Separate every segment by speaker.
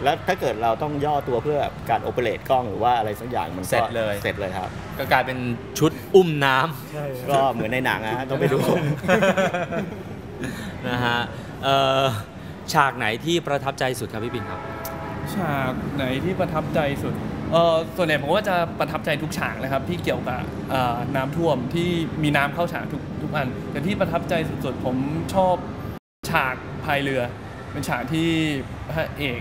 Speaker 1: แล้วถ้าเกิดเราต้องย่อตัวเพื่อการโอเปเรตกล้องหรือว่าอะไรสักอย่างมัน
Speaker 2: เสร็จเลย
Speaker 1: ครับ
Speaker 2: ก็กลายเป็นชุดอุ้มน้
Speaker 1: ำก็เหมือนในหนังนะต้องไปดู
Speaker 2: นะฮะฉากไหนที่ประทับใจสุดครับพี่ปิ่นครับ
Speaker 3: ฉากไหนที่ประทับใจสุดส่วนใหญ่ผมว่าจะประทับใจทุกฉากนะครับที่เกี่ยวกับน้ำท่วมที่มีน้ำเข้าฉากทุกอันแต่ที่ประทับใจสุดๆผมชอบฉากพายเรือเป็นฉากที่พระเอก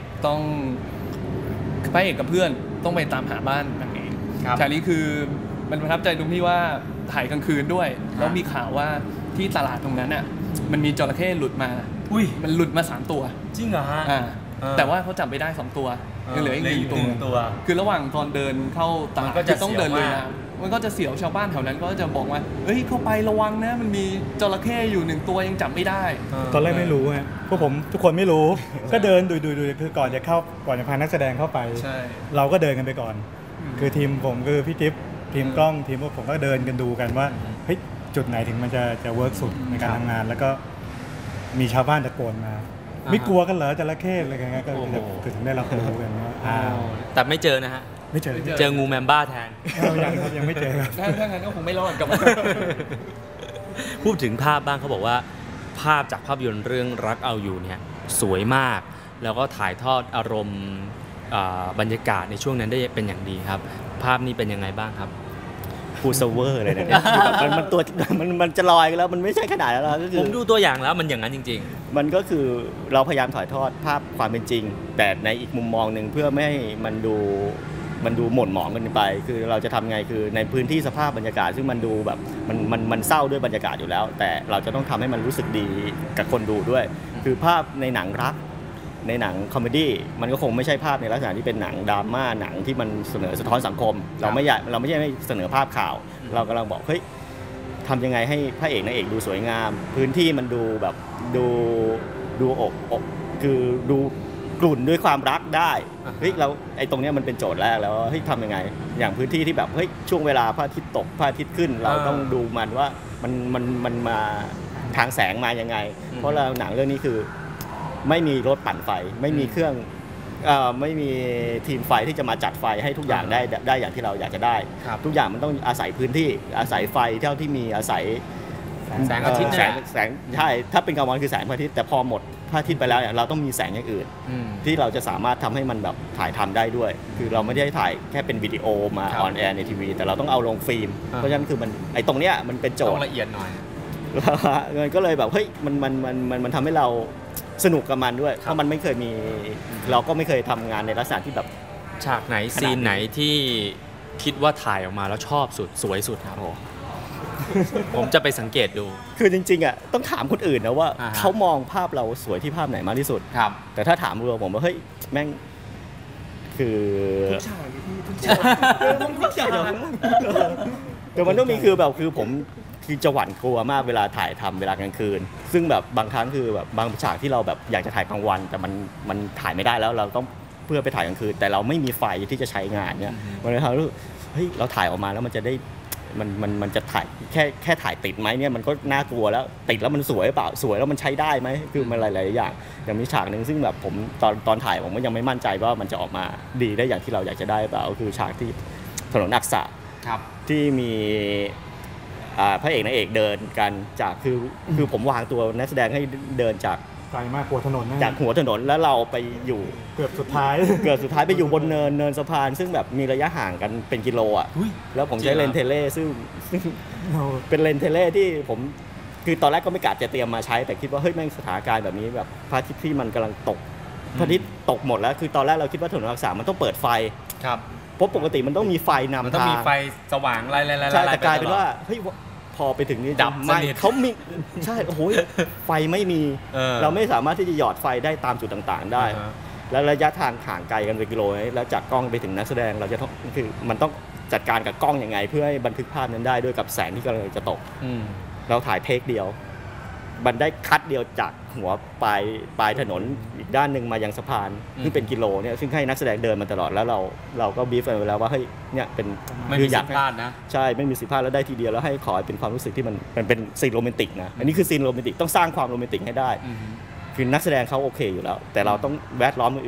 Speaker 3: กับเพื่อนต้องไปตามหาบ้านนางเอกฉากนี้คือมันประทับใจตรงที่ว่าถ่ายกลางคืนด้วยแล้วมีข่าวว่าที่ตลาดตรงนั้นอ่ะมันมีจระเข้หลุดมามันหลุดมา3 ตัว
Speaker 2: จริงเหรอฮะ
Speaker 3: แต่ว่าเขาจับไปได้2 ตัวยังเหลืออีก1 ตัวคือระหว่างตอนเดินเข้าตลาดก็ต้องเดินเลยนะมันก็จะเสียวชาวบ้านแถวนั้นก็จะบอกว่าเฮ้ยเข้าไประวังนะมันมีจระเข้อยู่1 ตัวยังจับไม่ได้
Speaker 4: ตอนแรกไม่รู้ฮะพวกผมทุกคนไม่รู้ก็เดินดูคือก่อนจะพานักแสดงเข้าไปเราก็เดินกันไปก่อนคือทีมผมคือพี่จิ๊บทีมกล้องทีมพวกผมก็เดินกันดูกันว่าเฮ้ยจุดไหนถึงมันจะเวิร์กสุดในการทำงานแล้วก็มีชาวบ้านตะโกนมาไม่กลัวกันเหรอจระเข้อะไรกันก็ถึงได้รับรู้กันว่า
Speaker 2: แต่ไม่เจอนะฮะ
Speaker 4: ไม่
Speaker 2: เจองูแมมบ้าแทน
Speaker 4: ยังไม่เจอ
Speaker 3: ถ้างั้นก็คงไม่รอดกับ
Speaker 2: พูดถึงภาพบ้างเขาบอกว่าภาพจากภาพยนตร์เรื่องรักเอาอยู่เนี่ยสวยมากแล้วก็ถ่ายทอดอารมณ์บรรยากาศในช่วงนั้นได้เป็นอย่างดีครับภาพนี้เป็นยังไงบ้างครับ
Speaker 1: ฟูเซเวอร์เลยเนี่ยมันจะลอยกันแล้วมันไม่ใช่ขนาดนั้นแล้วก็คือ
Speaker 2: ผมดูตัวอย่างแล้วมันอย่างนั้นจริง
Speaker 1: ๆมันก็คือเราพยายามถ่ายทอดภาพความเป็นจริงแต่ในอีกมุมมองหนึ่งเพื่อไม่ให้มันดูหม่นหมองกันไปคือเราจะทำไงคือในพื้นที่สภาพบรรยากาศซึ่งมันดูแบบมันเศร้าด้วยบรรยากาศอยู่แล้วแต่เราจะต้องทำให้มันรู้สึกดีกับคนดูด้วยคือภาพในหนังรักในหนังคอมเมดี้มันก็คงไม่ใช่ภาพในลักษณะที่เป็นหนังดราม่าหนังที่มันเสนอสะท้อนสังคมเราไม่ใช่เสนอภาพข่าวเรากำลังบอกเฮ้ยทำยังไงให้พระเอกนางเอกดูสวยงามพื้นที่มันดูแบบดูอกคือดูกลุ่นด้วยความรักได้เฮ้ยเราไอ้ตรงนี้มันเป็นโจทย์แรกแล้วเฮ้ยทำยังไงอย่างพื้นที่ที่แบบเฮ้ยช่วงเวลาพระอาทิตย์ตกพระอาทิตย์ขึ้นเราต้องดูมันว่ามันมาทางแสงมายังไงเพราะเราหนังเรื่องนี้คือไม่มีรถปั่นไฟไม่มีเครื่องไม่มีทีมไฟที่จะมาจัดไฟให้ทุกอย่างได้อย่างที่เราอยากจะได้ทุกอย่างมันต้องอาศัยพื้นที่อาศัยไฟเท่าที่มีอาศัย
Speaker 2: แสงอาทิตย์
Speaker 1: แสงใช่ถ้าเป็นกลางวันคือแสงพระอาทิตย์แต่พอหมดพระอาทิตย์ไปแล้วเนี่ยเราต้องมีแสงอย่างอื่นที่เราจะสามารถทำให้มันแบบถ่ายทำได้ด้วยคือเราไม่ได้ถ่ายแค่เป็นวิดีโอมาออนแอร์ในทีวีแต่เราต้องเอาลงฟิล์มเพราะฉะนั้นคือมันไอ้ตรงเนี้ยมันเป็นโจทย์
Speaker 2: ต้องละเอียดหน่อย
Speaker 1: มันก็เลยแบบเฮ้ยมันทำให้เราสนุกกับมันด้วยเพราะมันไม่เคยมีเราก็ไม่เคยทำงานในลักษณะที่แบบ
Speaker 2: ฉากไหนซีนไหนที่คิดว่าถ่ายออกมาแล้วชอบสุดสวยสุดครับผมจะไปสังเกตดู
Speaker 1: คือจริงๆอ่ะต้องถามคนอื่นนะว่าเขามองภาพเราสวยที่ภาพไหนมากที่สุด
Speaker 2: ครับ
Speaker 1: แต่ถ้าถามเราผมว่าเฮ้ยแม่งคือ
Speaker 3: ทุกฉากทุกฉาก
Speaker 1: แต่มันต้องมีคือแบบคือผมคือจะหวั่นกลัวมากเวลาถ่ายทำเวลากลางคืนซึ่งแบบบางครั้งคือแบบบางฉากที่เราแบบอยากจะถ่ายกลางวันแต่มันถ่ายไม่ได้แล้วเราต้องเพื่อไปถ่ายกลางคืนแต่เราไม่มีไฟที่จะใช้งานเนี่ยมันเลยทำให้เฮ้ยเราถ่ายออกมาแล้วมันจะได้มันจะถ่ายแค่ถ่ายติดไหมเนี่ยมันก็น่ากลัวแล้วติดแล้วมันสวยเปล่าสวยแล้วมันใช้ได้ไหมคือมันหลายๆอย่างอย่างมีฉากนึงซึ่งแบบผมตอนถ่ายผมก็ยังไม่มั่นใจว่ามันจะออกมาดีได้อย่างที่เราอยากจะได้เปล่าคือฉากที่ถนนอักษะที่มีพระเอกนางเอกเดินกันจากคือผมวางตัวนักแสดงให้เดินจาก
Speaker 4: ไกลมากหัวถนน
Speaker 1: จากหัวถนนแล้วเราไปอยู่
Speaker 4: เกือบสุดท้
Speaker 1: ายไปอยู่บนเนินสะพานซึ่งแบบมีระยะห่างกันเป็นกิโลอ่ะแล้วผมใช้เลนเทเลซึ่งเป็นเลนเทเลที่ผมคือตอนแรกก็ไม่กะจะเตรียมมาใช้แต่คิดว่าเฮ้ยแม่งสถานการณ์แบบนี้แบบพระอาทิตย์ที่มันกำลังตกพระอาทิตย์ตกหมดแล้วคือตอนแรกเราคิดว่าถนนอักษะมันต้องเปิดไฟ
Speaker 2: ครับ
Speaker 1: เพราะปกติมันต้องมีไฟนำทาง
Speaker 2: มันต้องมีไฟสว่างไล่
Speaker 1: ใช่แต่กลายเป็นว่าเฮ้ยพอไปถึงนี่
Speaker 2: ดับสนิท
Speaker 1: เขามีใช่โอ้โหไฟไม่มีเราไม่สามารถที่จะหยอดไฟได้ตามจุดต่างๆได้แล้วระยะทางห่างไกลกันเป็นกิโลแล้วจากกล้องไปถึงนักแสดงเราจะต้องคือมันต้องจัดการกับกล้องยังไงเพื่อให้บันทึกภาพนั้นได้ด้วยกับแสงที่กำลังจะตกเราถ่ายเทคเดียวมันได้คัดเดียวจากหัวปลายถนนอีกด้านหนึ่งมายังสะพานที่เป็นกิโลเนี่ยซึ่งให้นักแสดงเดินมาตลอดแล้วเราก็บีฟไปแล้วว่าเฮ้ยเนี่ยเป็น
Speaker 2: ไม่มีสิทธิ์พลาดนะ
Speaker 1: ใช่ไม่มีสิทธิ์พลาดแล้วได้ทีเดียวแล้วให้ขอเป็นความรู้สึกที่มันเป็นซีนโรแมนติกนะอันนี้คือซีนโรแมนติกต้องสร้างความโรแมนติกให้ได้คือนักแสดงเขาโอเคอยู่แล้วแต่เราต้องแวดล้อมอื่น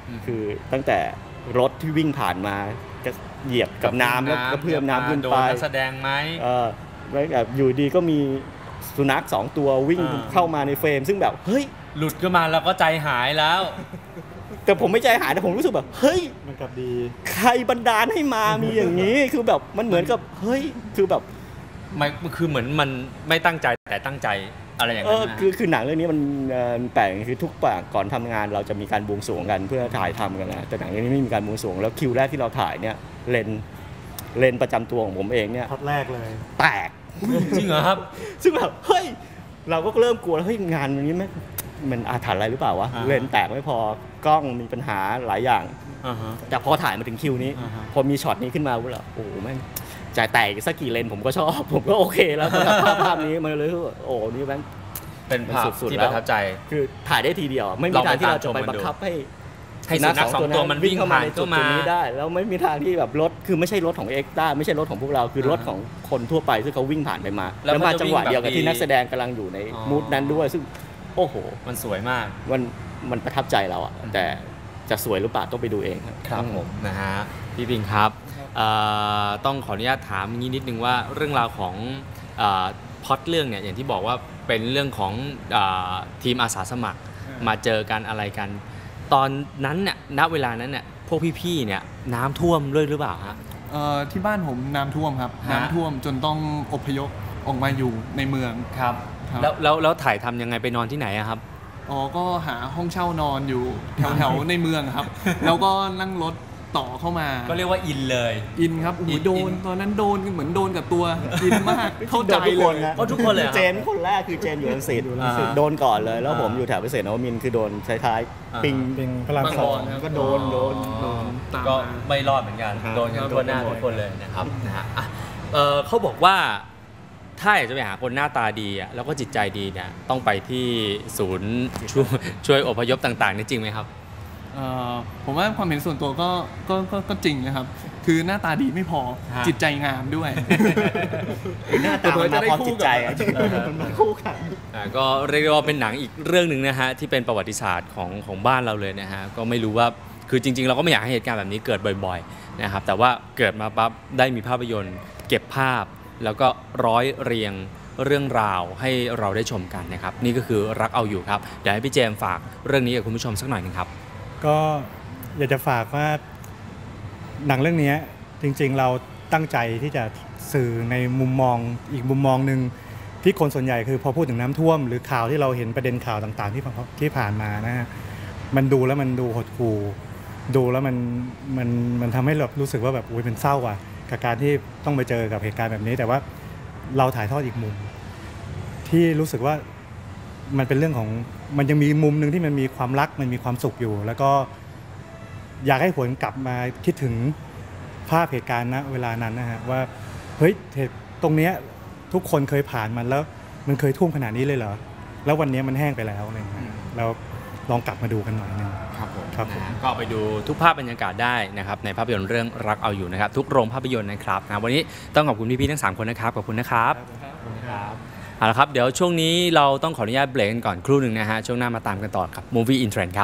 Speaker 1: คือตั้งแต่รถที่วิ่งผ่านมาก็เหยียบกับน้ำแล้วก็เพื่อมน้ำขึ้นไป
Speaker 2: นักแสดงไหม
Speaker 1: แล้วแบบอยู่ดีก็มีสุนัข2ตัววิ่งเข้ามาในเฟรมซึ่งแบบเฮ้ย
Speaker 2: หลุดขึ้นมาแล้วก็ใจหายแล้ว
Speaker 1: แต่ผมไม่ใจหายแต่ผมรู้สึกแบบเฮ้ย
Speaker 4: มันกับดี
Speaker 1: ใครบันดาลให้มามีอย่างนี้คือแบบมันเหมือนกับเฮ้ยคือแบบ
Speaker 2: มันคือเหมือนมันไม่ตั้งใจแต่ตั้งใจอะไรอย่างนั้นนะ
Speaker 1: คือหนังเรื่องนี้มันแปลกคือทุกปากก่อนทำงานเราจะมีการบวงสรวงกันเพื่อถ่ายทำกันนะแต่หนังเรื่องนี้ไม่มีการบวงสรวงแล้วคิวแรกที่เราถ่ายเนี่ยเลนประจำตัวของผมเองเนี่ย
Speaker 4: พัดแรกเลย
Speaker 1: แตก
Speaker 2: จริงเหรอครับ
Speaker 1: ซึ่งแบบเฮ้ยเราก็เริ่มกลัวแล้วเฮ้ยงานนี้มันอาถรรพ์อะไรหรือเปล่าวะเลนแตกไม่พอกล้องมีปัญหาหลายอย่างแต่พอถ่ายมาถึงคิวนี้พอมีช็อตนี้ขึ้นมาแล้วโอ้แม่งจ่ายแตกสักกี่เลนผมก็ชอบผมก็โอเคแล้วสำหรับภาพนี้มันเลยโอ้นี่แม่ง
Speaker 2: เป็นภาพที่ประทับใจ
Speaker 1: คือถ่ายได้ทีเดียวไม่มีทางที่เราจะไปบังคับให้
Speaker 2: สุนัข2 ตัวมันวิ่งผ่านเข้ามา
Speaker 1: ได้แล้วไม่มีทางที่แบบรถคือไม่ใช่รถของเอ็กซ์ต้าไม่ใช่รถของพวกเราคือรถของคนทั่วไปซึ่งเขาวิ่งผ่านไปมาแล้วมาจังหวะเดียวกับที่นักแสดงกำลังอยู่ในมูดนั้นด้วยซึ่งโอ้โห
Speaker 2: มันสวยมาก
Speaker 1: มันประทับใจเราอ่ะแต่จะสวยหรือเปล่าต้องไปดูเอง
Speaker 2: ครับผมนะฮะพี่ปิงครับต้องขออนุญาตถามงี้นิดนึงว่าเรื่องราวของพล็อตเรื่องเนี่ยอย่างที่บอกว่าเป็นเรื่องของทีมอาสาสมัครมาเจอกันอะไรกันตอนนั้นเนี่ยณเวลานั้นเนี่ยพวกพี่ๆเนี่ยน้ำท่วมด้วยหรือเปล่าฮะ
Speaker 3: ที่บ้านผมน้ำท่วมครับน้ำท่วมจนต้องอพยพออกมาอยู่ในเมือง
Speaker 2: ครับแล้วถ่ายทำยังไงไปนอนที่ไหนครับ
Speaker 3: ก็หาห้องเช่านอนอยู่แถวๆในเมืองครับแล้วก็นั่งรถต่อเข้ามา
Speaker 2: ก็เรียกว่าอินเลย
Speaker 3: อินครับโดนตอนนั้นโดนเหมือนโดนกับตัวอินมากเข้าใจ
Speaker 1: เลย
Speaker 2: ทุกคนเลย
Speaker 1: เจนคนแรกคือเจนอยู่รังสิตโดนก่อนเลยแล้วผมอยู่แถวเกษตรนวมินทร์คือโดนท้ายปิง
Speaker 4: พลังสอง
Speaker 1: ก็โดน
Speaker 2: ก็ไม่รอดเหมือนกันโดนกันทั่วหน้าทุกคนเลยนะครับนะฮะเขาบอกว่าถ้าอยากจะไปหาคนหน้าตาดีแล้วก็จิตใจดีเนี่ยต้องไปที่ศูนย์ช่วยอพยพต่างๆนี่จริงไหมครับ
Speaker 3: ผมว่าความเห็นส่วนตัวก็จริงนะครับคือหน้าตาดีไม่พอจิตใจงามด้วย
Speaker 1: หน้าตามันมาพร้อมจิตใจมันมาคู่กัน
Speaker 2: ก็เรียกว่าเป็นหนังอีกเรื่องหนึ่งนะฮะที่เป็นประวัติศาสตร์ของบ้านเราเลยนะฮะก็ไม่รู้ว่าคือจริงๆเราก็ไม่อยากให้เหตุการณ์แบบนี้เกิดบ่อยๆนะครับแต่ว่าเกิดมาปั๊บได้มีภาพยนตร์เก็บภาพแล้วก็ร้อยเรียงเรื่องราวให้เราได้ชมกันนะครับนี่ก็คือรักเอาอยู่ครับเดี๋ยวให้พี่เจมส์ฝากเรื่องนี้กับคุณผู้ชมสักหน่อยนึงครับ
Speaker 4: ก็อยากจะฝากว่าหนังเรื่องนี้จริงๆเราตั้งใจที่จะสื่อในมุมมองอีกมุมมองหนึ่งที่คนส่วนใหญ่คือพอพูดถึงน้ำท่วมหรือข่าวที่เราเห็นประเด็นข่าวต่างๆที่ผ่านมานะฮะมันดูแล้วมันดูหดหู่ดูแล้วมันทำให้เรารู้สึกว่าแบบอุ้ยมันเศร้าอ่ะกับการที่ต้องไปเจอกับเหตุการณ์แบบนี้แต่ว่าเราถ่ายทอดอีกมุมที่รู้สึกว่ามันเป็นเรื่องของมันยังมีมุมนึงที่มันมีความรักมันมีความสุขอยู่แล้วก็อยากให้หวนกลับมาคิดถึงภาพเหตุการณ์ณเวลานั้นนะฮะว่าเฮ้ยตรงเนี้ยทุกคนเคยผ่านมันแล้วมันเคยท่วมขนาดนี้เลยเหรอแล้ววันนี้มันแห้งไปแล้วอะไรเงี้ยเราลองกลับมาดูกันหน่อยนึง
Speaker 2: ครับผมก็ไปดูทุกภาพบรรยากาศได้นะครับในภาพยนตร์เรื่องรักเอาอยู่นะครับทุกโรงภาพยนตร์นะครับวันนี้ต้องขอบคุณพี่ๆทั้ง3คนนะครับขอบคุณนะครับเอาละครับเดี๋ยวช่วงนี้เราต้องขออนุญาตเบรกกันก่อนครู่หนึ่งนะฮะช่วงหน้ามาตามกันต่อครับ Movie in Trend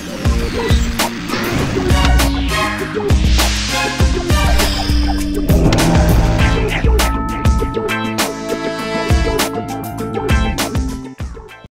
Speaker 2: ครับ